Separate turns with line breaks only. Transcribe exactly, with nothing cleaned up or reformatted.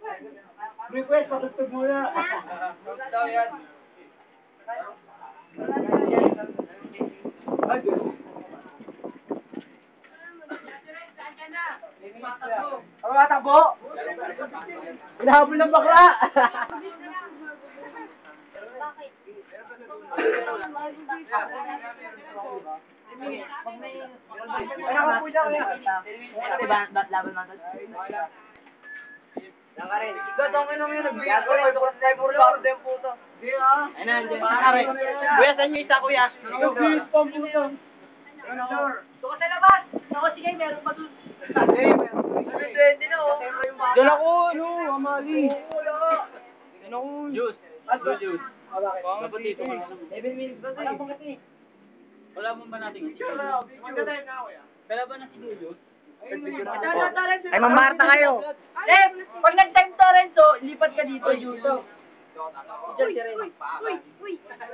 Request, patutog muna. Daw yan. Ay, Diyos. Ano matakbo? Hinahabol ng bakla! Ano ka po siya kaya?
Ba't laban man doon?
Lang ka rin. Ikaw, tangin naman yun. Nagbigay ko rin. Ito ko sa tayo puro baro din puto. Hindi ah.
Ay na, hindi. Kuya, saan yung isa, kuya?
Nagbigay pa ang puto. Ano?
Doon ka sa labas! Ako, sige, meron pa doon.
Hindi, meron. Hindi na oh. Diyan ako, ano, amali. Diyan ako.
Juice.
Ano, juice?
Dapat dito ka na.
seven minutes ba ito eh?
Wala mo ba natin? Kala ba na si Julius?
Ay, mamarta kayo.
Eh, pag nag-time torrent, so, lipat ka dito, Julius. Diyan si Ren. Uy, uy.